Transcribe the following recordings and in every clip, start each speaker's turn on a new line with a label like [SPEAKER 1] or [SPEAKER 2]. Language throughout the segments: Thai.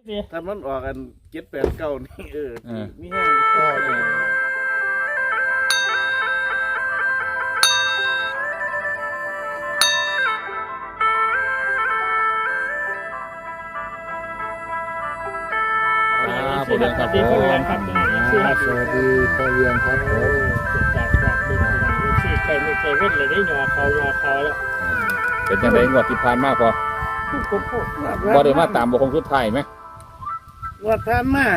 [SPEAKER 1] ถ้ามันออกกัน7-8-9นี่มีแห้ง
[SPEAKER 2] สวัสดีครับพ่อเลี้ยงครับสวัสดีพ่อเลี้ยงครับผม
[SPEAKER 3] จากดึงที่ใครไม่เคยเว้นเลยได้หยอเขาแล้ว
[SPEAKER 2] เป็นยังไงงวดที่ผ่านมาพอบ่ได้มาตามบ่คงสุดท้ายไหม
[SPEAKER 1] ว่าท่านมา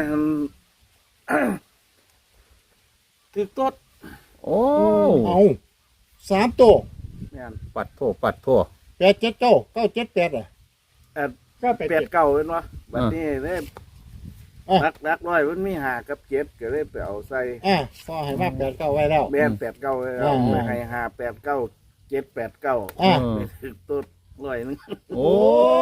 [SPEAKER 1] คือต้น
[SPEAKER 2] โอ้
[SPEAKER 3] เอา3ตัว
[SPEAKER 2] ปัดโท
[SPEAKER 3] 8-7 9-7-8
[SPEAKER 1] ก็8-9เป็นวะบัดนี้เลยรักร้อยมันมี5 กับ 7ก็เลยไปเอาใส่
[SPEAKER 3] พอให้มา8-9ไว้แล้ว
[SPEAKER 1] แม่น8-9เลยไม่ให้5-8-9 7-8-9ไปถึงต้นร้อยนึง
[SPEAKER 2] โอ้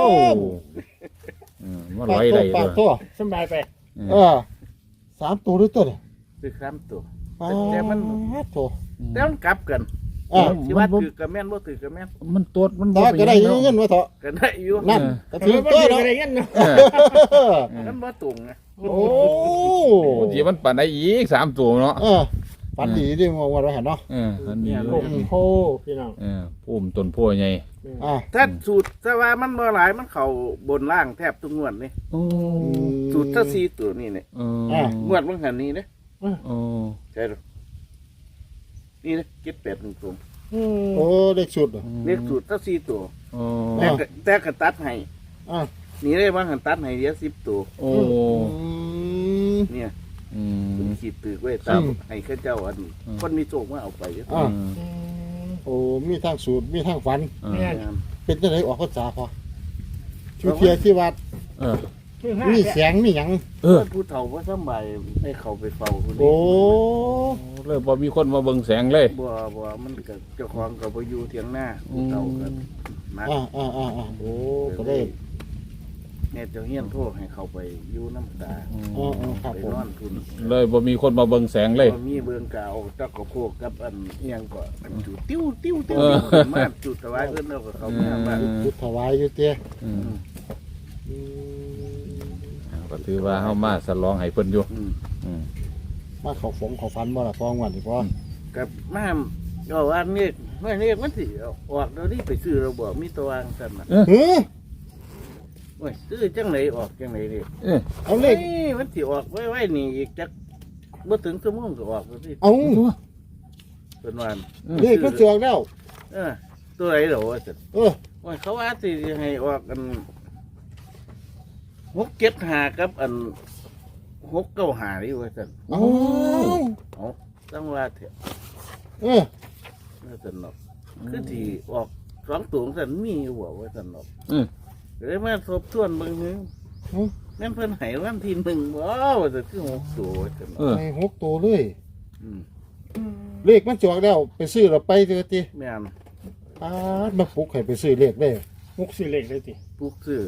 [SPEAKER 2] มันร้อยได้
[SPEAKER 3] ปากตัวสบายไป3ตัวหรือตัวเนี่ย
[SPEAKER 1] คือ3ตัว
[SPEAKER 3] แต่มัน
[SPEAKER 1] แต่มันกลับกันที่ว่าถือกระแม่นบ่ถือกระแม่น
[SPEAKER 2] มันตัวมัน
[SPEAKER 3] บ่ก็ได้เงินว่าเถาะ
[SPEAKER 1] ก็ได้อยู่
[SPEAKER 3] นั่นก็ถือตัวเนาะ
[SPEAKER 1] ได้เงินเนาะมันบ่ตรงไง
[SPEAKER 3] โอ้
[SPEAKER 2] ที่มันปั่นได้อีก3ตัวเนาะ
[SPEAKER 3] ปันดีดิมองว่าเราเห็นเนาะ
[SPEAKER 2] อันนี้
[SPEAKER 3] โพพี่น้อง
[SPEAKER 2] พุ่มต้นโพใหญ่
[SPEAKER 1] ถ้าสูตรแต่ว่ามันบ่หลายมันเข้าบนล่างแทบทุกงวดนี่สูตรถ้า4ตัวนี่เนี่ยงวดมันหันนี้เด้ใช่หรอนี่นะ7-8-1ตัว
[SPEAKER 3] โอ้เลขสูตร
[SPEAKER 1] เลขสูตรถ้า4ตัวแต่ก็ตัดให้นี่ได้ว่าหันตัดให้เดียว10ตัวเนี่ยขีดตึกไว้ตามให้ข้าเจ้าอันคนมีโชคมาเอาไป
[SPEAKER 3] โอ้มีทางสูตรมีทางฝันเป็นจังได๋ออกพรรษาพอชูเทียที่วัดมีเสียงมีหยัง
[SPEAKER 1] ผู้เฒ่าบ่สบายให้เขาไปเฝ้าคนนี้
[SPEAKER 3] โอ้
[SPEAKER 2] เลยบ่มีคนมาเบิ่งแสงเลย
[SPEAKER 1] บ่มันก็เจ้าของก็บ่อยู่เถียงหน้าผู้เฒ่าก็มา
[SPEAKER 3] โอ้ก็ได้
[SPEAKER 1] เนี่ยเจ้าเฮียนโทรให้เขาไปอยู่น้ำตาไปนอนทุน
[SPEAKER 2] เลยบ่มีคนมาเบิ่งแสงเลย
[SPEAKER 1] บ่มีเบิ่งกาวจักกระโพกกับอันเอียงก็จุดติ้วมาจุดถวายเพิ่นแล้วก็เขามา
[SPEAKER 3] จุดถวายอยู่เตี้ย
[SPEAKER 2] ก็ถือว่าเฮามาฉลองให้เพิ่นอยู่
[SPEAKER 3] มาเขาฝันบ่ล่ะฟ้องวันนี่พ่อ
[SPEAKER 1] กับมาก็ว่านี่มันสิออกเดี๋ยวนี้ไปซื้อเราบอกมีตัววางซั่นน่ะโอ้ยซื้อจังไหนออกจังไหนดิ
[SPEAKER 3] เอาเลข
[SPEAKER 1] มันสิออกไว้นี่อีกจักบ่ถึงชั่วโมงก็ออกแล้วสิ
[SPEAKER 3] เอา
[SPEAKER 1] เป็นวัน
[SPEAKER 3] เลขก็จองแล้ว
[SPEAKER 1] ตัวไหนเหรอว่าซั่นโอ้ยเขาว่าสิให้ออกกัน6-7-5กับอัน6-9-5นี่ว่าซั่นเอาต้องว่าเถอะว่าซั่นเนาะคือที่ออก2ตัวซั่นมีอยู่ว่าซั่นเนาะเลยมาทบทวนเบิ่งนึงนั่นเพิ่นให้วันที่1ว้าวจะคือ6ตัวจัง
[SPEAKER 3] ให้6ตัวเลยเลขมันจองแล้วไปซื้อเราไปเถอะติ
[SPEAKER 1] แม่น
[SPEAKER 3] มาปลุกให้ไปซื้อเลขได้ปลุกซื้อเลขได้ติ
[SPEAKER 1] ปลุกซื้อ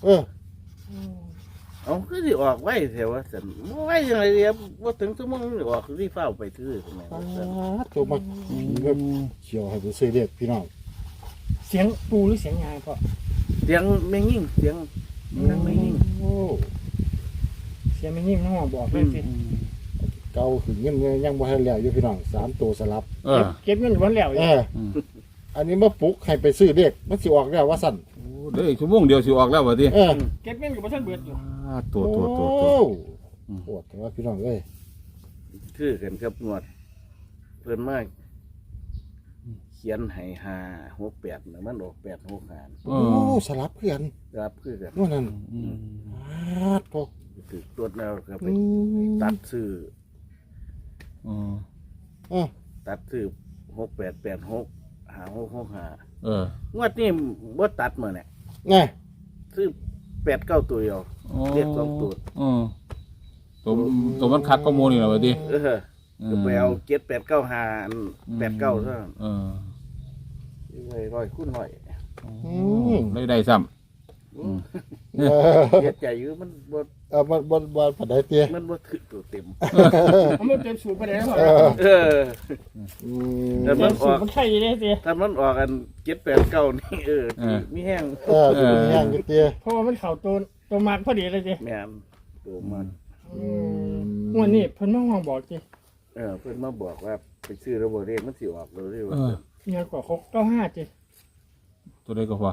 [SPEAKER 1] เอาคือสิออกไว้แถวว่าซั่นบ่ไว้จังได๋บ่ถึงชั่วโมงออกสิฟ้าวไปซื้อจังได๋
[SPEAKER 3] ตัวมาเขียวให้ไปซื้อเลขพี่น้องเสียงปูหรือเสียงยายพ่อ
[SPEAKER 1] เสียงไม่ยิ่งเสียงไม่ยิ่ง
[SPEAKER 3] เสียงไม่ยิ่งน้องบอกเลยสิเก่าขึ้นเงินยังบ่ให้แล้วอยู่พี่น้อง3ตัวสลับเก็บเงินบ่แล้วอันนี้มาปลุกให้ไปซื้อเลขมันสิออกแล้วว่าซั่น
[SPEAKER 2] เด้อชั่วโมงเดียวสิออกแล้วว่าติ
[SPEAKER 3] เก็บเงินก็บ่ทันเบิดอยู่
[SPEAKER 2] ตัว
[SPEAKER 3] โหดแต่ว่าพี่น้องเอ้ย
[SPEAKER 1] คือกันกับงวดเพิ่นมาเขียนให้5-6-8น่ะมันออก8-6-5
[SPEAKER 3] โอ้สลับคือกันว่านั่น
[SPEAKER 1] พวกคือตรวจแล้วก็ไปตัดซื้อตัดซื้อ6-8-8-6 5-6-6-5งวดนี้บ่ตัดมื้อเนี่ยซื้อ8-9ตัวเดียวเรียก2ตัว
[SPEAKER 2] ตัวมันคักก็โมนี่ล่ะว่าติ
[SPEAKER 1] ก็ไปเอา7-8-9-5 8-9เท่านั้น100คูณ100
[SPEAKER 2] ได้ซ้ำ
[SPEAKER 1] เฮ็ดใจอยู่มันบ่
[SPEAKER 3] ปานใดเตี้ย
[SPEAKER 1] มันบ่ถึกตัวเต็ม
[SPEAKER 3] มันเต็มสูตรปานใดบ่
[SPEAKER 1] แต่มันออก
[SPEAKER 3] มันไข่เด้เตี้ย
[SPEAKER 1] ถ้ามันออกกัน7-8-9นี่มีแห้ง
[SPEAKER 3] มีแห้งเตี้ยเพราะว่ามันเข้าตัว
[SPEAKER 4] ตัวมากพอดีเลยจิ
[SPEAKER 1] แม่นตัวมัน
[SPEAKER 4] วันนี้เพิ่นมาห้องบอกจิ
[SPEAKER 1] เพิ่นมาบอกว่าไปซื้อระบบเรียกมันสิออกเลย
[SPEAKER 2] เอ
[SPEAKER 1] ว่า
[SPEAKER 2] อ
[SPEAKER 4] ยังกว่า695จิ
[SPEAKER 2] ตัวใดก็พอ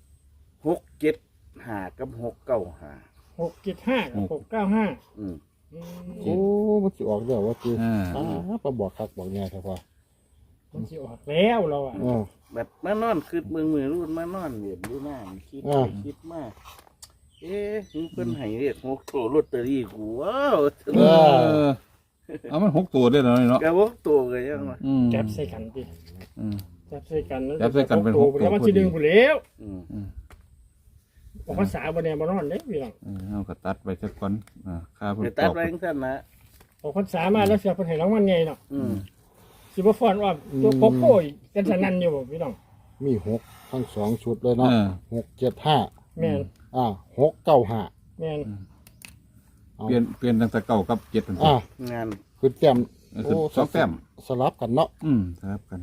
[SPEAKER 1] 675กับ695
[SPEAKER 4] 675กับ695
[SPEAKER 1] อืม
[SPEAKER 3] โอ้มันสิออกแล้วว่าคือ
[SPEAKER 2] อ่า
[SPEAKER 3] มาบอกคักบอกแน่ครับพ่อ
[SPEAKER 4] มันสิออกแล้วเราอ่ะ
[SPEAKER 1] แบบมานอนคือมือรุ่นมานอนเหรียญดูหน้ามันคิดไปคิดมากคือเพิ่นให้เรียก6ตัวลอตเตอรี่กูว้าว
[SPEAKER 2] เออเอามัน6ตัวได้แล้วเนาะ
[SPEAKER 1] กะ6ตัวก็ยังว่า
[SPEAKER 2] อืม
[SPEAKER 4] จับใส่กันจิ
[SPEAKER 2] อืม
[SPEAKER 4] จับใส่กัน
[SPEAKER 2] จับใส่กันเป็นหกตัว
[SPEAKER 4] แล้วมันสิดึงผู้แล้ว
[SPEAKER 1] อืม
[SPEAKER 4] ออกภาษาบ่แน่บ่นอนเด้พี่น้อง
[SPEAKER 2] เอาก็ตัดไปสักก่อนค่าเพิ่น
[SPEAKER 1] ไป
[SPEAKER 2] ต
[SPEAKER 1] ตัด
[SPEAKER 2] อบ
[SPEAKER 1] ไว้จังซั่นนะ
[SPEAKER 4] ออกภาษามาแล้วเสียเพิ่นให้รางวัลใหญ่เนาะ
[SPEAKER 1] อืม
[SPEAKER 4] สิบ่ฟ้อนว่าตัวโกโก้กันสนั่นอยู่บ่พี่น้อง
[SPEAKER 3] มี6ทั้ง2ชุดเลยเนาะ675
[SPEAKER 4] แม่น
[SPEAKER 3] 695
[SPEAKER 4] แม่น
[SPEAKER 2] เปลี่ยนตั้งแต่เก่ากับ7นั่นสิ
[SPEAKER 1] งาน
[SPEAKER 3] คือแต้ม
[SPEAKER 2] คือสองแต้ม
[SPEAKER 3] สลับกันเนาะ
[SPEAKER 2] ครับกัน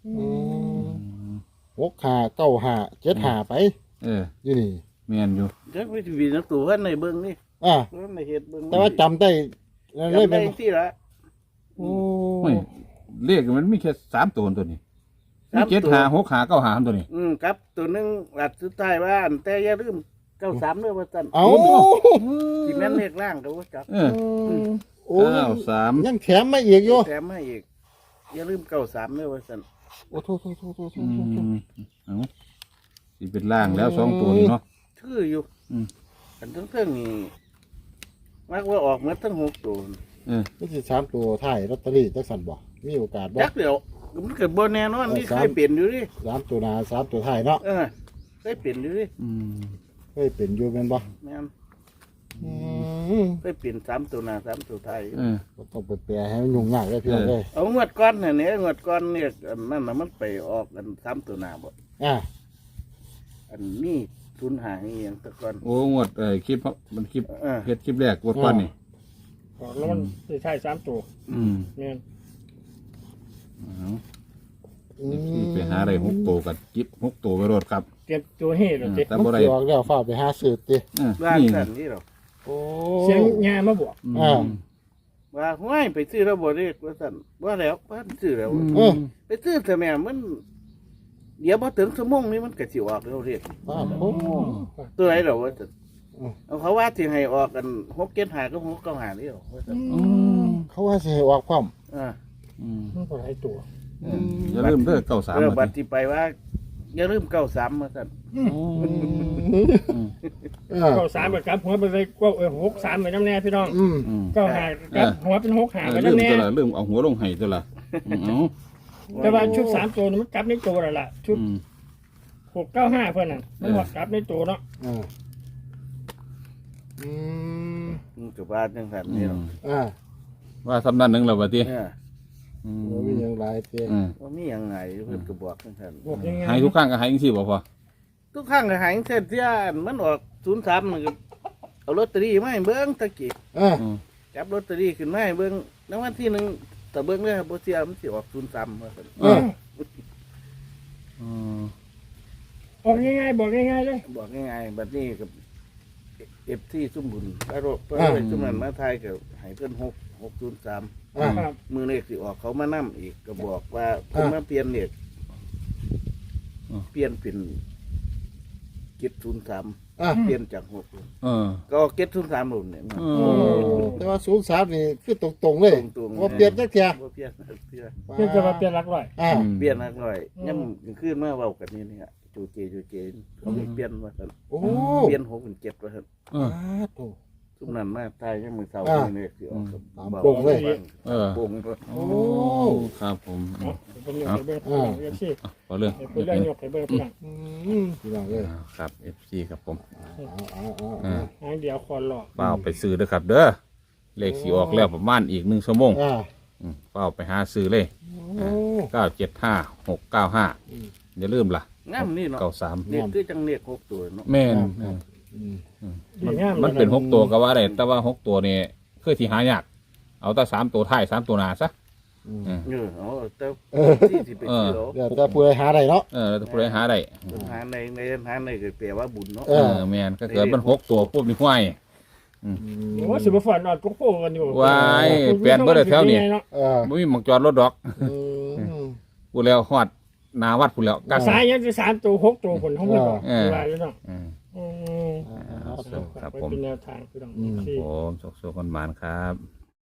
[SPEAKER 3] 6595 75ไป
[SPEAKER 2] เออ
[SPEAKER 3] อยู่นี่
[SPEAKER 2] แม่นอยู่
[SPEAKER 1] จักวิธีนักตัวเพิ่นในเบิ่งนี่
[SPEAKER 3] อ่า
[SPEAKER 1] เพิ่นในเฮ็ดเบิ่ง
[SPEAKER 3] แต่ว่าจำได้เลย
[SPEAKER 1] จำได้
[SPEAKER 3] เป็น
[SPEAKER 1] ที่ละ
[SPEAKER 3] โอ้
[SPEAKER 2] โอ้ยเลขมันมีแค่3ตัวตัวนี้
[SPEAKER 1] สาม
[SPEAKER 2] มี
[SPEAKER 1] ตัว
[SPEAKER 2] 7 5 6 5 9 5ตัวนี้
[SPEAKER 1] ครับตัวหนึงหลัดสุดท้ายว่าอันแต่อย่าลืม93เด้อว่าซั่น
[SPEAKER 3] เอา
[SPEAKER 1] ที่แม่นเลขล่างก็บ่จับ
[SPEAKER 2] เออ
[SPEAKER 3] โอ้
[SPEAKER 2] 93
[SPEAKER 3] ยังแถมมาอีกอยู่
[SPEAKER 1] แถมให้อีกอย่าลืม93เด้อว่าซั่น
[SPEAKER 3] โอ้โทษ
[SPEAKER 2] เอาสิเป็นล่างแล้ว2ตัวนี้เนาะ
[SPEAKER 1] ชื่ออยู่
[SPEAKER 2] อืม
[SPEAKER 1] อันทั้งเทิงนี่มักว่าออกหมดทั้ง6ตัว
[SPEAKER 2] เออ
[SPEAKER 3] นี่สิ3ตัวท้ายลอตเตอรี่จักสั่นบ่มีโอกาสบ่
[SPEAKER 1] จักเดี๋ยวมันเกิดบ่แน่นอนนี่เคยเปลี่ยนอยู่ดิ
[SPEAKER 3] 3ตัวหน้า3ตัวท้ายเนาะ
[SPEAKER 1] เคยเปลี่ยนอยู่ดิ
[SPEAKER 2] อืม
[SPEAKER 3] เคยเป็นอยู่แม่นบ่
[SPEAKER 1] แม่น
[SPEAKER 3] อืม
[SPEAKER 1] เคยเปลี่ยน3ตัวหน้า3ตัวท้าย
[SPEAKER 2] เออ
[SPEAKER 3] บ่ต้องไปแปลให้มันยุ่งยากเลยพี่น้องเอ้ย
[SPEAKER 1] เอางวดก้อนเนี่ยงวดก้อนเนี่ยอันนั่นน่ะมันไปออกกัน3ตัวหน้าบ่
[SPEAKER 3] อ่า
[SPEAKER 1] อันนี้ทุนหางอีหยังแตะก่อน
[SPEAKER 2] โอ้งวดคลิปมันคลิป
[SPEAKER 1] เออ
[SPEAKER 2] เฮ็ดคลิปแรกงวดก่อนนี่
[SPEAKER 4] ออกแล้วมันสิใช่3ตัว
[SPEAKER 2] อืม
[SPEAKER 4] แม่น
[SPEAKER 2] เอาไปหาได้6ตัวกันจิบ6ตัวไปรถครับ
[SPEAKER 4] เตรียมตัวเฮ็ดแล้วจิ
[SPEAKER 2] แต่
[SPEAKER 3] มัน
[SPEAKER 2] บ่ได้
[SPEAKER 3] สิออกแล้วฟ้าไปหาซื้อติ
[SPEAKER 1] ว่า
[SPEAKER 2] นี่
[SPEAKER 1] ซั่นนี่หรอก
[SPEAKER 3] โอ้
[SPEAKER 4] เสียงยามาบอก
[SPEAKER 3] อ่า
[SPEAKER 1] ว่าห้วยไปซื้อแล้วบ่ได้ว่าซั่นว่าแล้วบ่ซื้อแล้ว
[SPEAKER 3] เออ
[SPEAKER 1] ไปซื้อแต่แม่มัน เดี๋ยวพอถึงชั่วโมงนี้มันก็สิออกแล้วเรียก
[SPEAKER 3] อ่าโอ้
[SPEAKER 1] ตัวไหนเหรอวะซั่น
[SPEAKER 3] อืม
[SPEAKER 1] เอาเขาว่าสิให้ออกกัน675กับ695นี่หรอว่าซั่น
[SPEAKER 3] เขาว่าสิให้ออกพร้อม
[SPEAKER 1] อ่า
[SPEAKER 4] มันบ่หลายตัว
[SPEAKER 2] อย่าลืมเด้อ93
[SPEAKER 1] บัดที่ไปว่า อย่าลืม93มาซั่น
[SPEAKER 4] ก็3กับหัวไปเลยก็63ไปนำแน่พี่น้อง
[SPEAKER 3] อืม
[SPEAKER 4] ก็หากับหัวเป็น6หาไป
[SPEAKER 2] ลื
[SPEAKER 4] นำ
[SPEAKER 2] ม
[SPEAKER 4] แน่
[SPEAKER 2] ตัวละลืมเอาหัวลงให้ตัวละเอา
[SPEAKER 4] แต่ว่าชุด3ตัวนี่มันกลับในตัวแล้วล่ะชุด
[SPEAKER 2] อืม
[SPEAKER 4] 695เพิ่นน่ะมันหอดกลับในตัวเนาะ
[SPEAKER 3] อ่าอืม
[SPEAKER 1] มันก็ว่าจังซั่นนี่หรอก
[SPEAKER 3] อ่า
[SPEAKER 2] ว่าสำนันหนึงแล้วบัดนี้
[SPEAKER 1] เออ
[SPEAKER 3] บ่มีหยังหลายเติ
[SPEAKER 1] ว่ามีหยังไงเพิ่นก็บอกจังซั่น
[SPEAKER 4] บอกยังไง
[SPEAKER 2] หายทุกครั้งก็หายจังซี่บ่พอ
[SPEAKER 1] ทุกครั้งก็หายเส้นเที่ยมันออก03มันก็เอาลอตเตอรี่มาให้เบิ่งตะกี้
[SPEAKER 3] อ่า
[SPEAKER 1] จับลอตเตอรี่ขึ้นมาให้เบิ่งรางวัลที่1แต่เบิ่งเลยบ่เสียมันสิออก03ว่าซั่น
[SPEAKER 3] อ่า
[SPEAKER 4] ออกง่ายๆบอกง่ายๆเลย
[SPEAKER 1] บอกง่ายๆบัดนี้กับที่ซุ่มบุญพระโรคพระซุ่มนั้นมาทายก็ให้เพิ่น603
[SPEAKER 3] อ่า
[SPEAKER 4] ครับ
[SPEAKER 1] มือเลขสิออกเขามานํอีกก็บอกว่าเพิ่นมาเปลี่ยนเลขเปลี่ยนเป็น703
[SPEAKER 3] อ่า
[SPEAKER 1] เปลี่ยนจาก6
[SPEAKER 2] เออ
[SPEAKER 1] ก็703รุ่นเนี่ย
[SPEAKER 2] เอ
[SPEAKER 3] โอ้
[SPEAKER 2] อ
[SPEAKER 3] แต่ว่า03นี่คือตรงๆเลย
[SPEAKER 1] ตรงๆ
[SPEAKER 3] บ่เปลี่ยนจักเที่ย
[SPEAKER 1] บ่เปลี่ยนเปลี่ยน
[SPEAKER 4] เพื่อจะมาเปลี่ยนหลักร้อย
[SPEAKER 3] อ่า
[SPEAKER 1] เปลี่ยนนักหน่อยย่ำขึ้นมาเว้ากันนี่เนี่ยจูเจเขาไม่เปลี่ยนว่าซั่น
[SPEAKER 3] โอ้
[SPEAKER 1] เปลี่ยน6เป็น7ว่าซั่น
[SPEAKER 2] เออ
[SPEAKER 3] โต
[SPEAKER 1] ซุมนั้นมาตายยังมือเช้านี่สิออกกับ
[SPEAKER 3] โป่งเลย
[SPEAKER 2] เออ
[SPEAKER 1] โป่ง
[SPEAKER 3] โอ้
[SPEAKER 2] ครับผม
[SPEAKER 4] เป็นยกให้เบิ่งพี่น้องเอฟซี
[SPEAKER 2] พอเรื่อง
[SPEAKER 4] เป็นเรื่องยกให้เบิ่งพี่น้อง
[SPEAKER 3] พี่น้องเอ้ย
[SPEAKER 2] ครับ FC ครับผม
[SPEAKER 3] เอา
[SPEAKER 4] หางเดียวคอหลอก
[SPEAKER 2] เป้าไปซื้อเด้อครับ เด้อเลขสิออกแล้วประมาณอีก1ชั่วโมง
[SPEAKER 3] อ่า
[SPEAKER 2] เป้าไปหาซื้อเลย
[SPEAKER 3] โอ้
[SPEAKER 2] 975 695อย่าลืมล่ะ
[SPEAKER 1] งามนี่เนาะ
[SPEAKER 2] 93
[SPEAKER 1] นี่คือจังเรียก6ตัวเนาะ
[SPEAKER 2] แม่น
[SPEAKER 3] อืม
[SPEAKER 2] มันเป็น6ตัวก็ว่าได้แต่ว่า6ตัวนี่คือที่หายากเอาแต่3ตัวท้าย3ตัวหน้าซะ
[SPEAKER 1] เอาแต่ที่สิไปเที่ยว
[SPEAKER 3] เดี๋ยวจะพูดหาได้เนาะ
[SPEAKER 2] แล้วผู้ใดหาได้
[SPEAKER 1] หาในก็แปลว่าบุญเนาะ
[SPEAKER 2] แม่นก็เกิดมัน6ตัวปุ๊บนี่ห้วย
[SPEAKER 4] โอ้สิบ่ฝันอดโกโก้กันอยู่
[SPEAKER 2] ว้ายแปลนบ่ได้แถวนี้ บ่มีหม่องจอดรถดอกพูดแล้วฮอดหน้าวัดพูดแล้วกัก
[SPEAKER 4] สายยังจะ3ตัว6ตัวคนของพี่บอกว่าอยู่เนาะ
[SPEAKER 2] ครับผม
[SPEAKER 4] เป็นแนวทางพี่น้อง
[SPEAKER 2] ผมโชคๆกันหมานครับ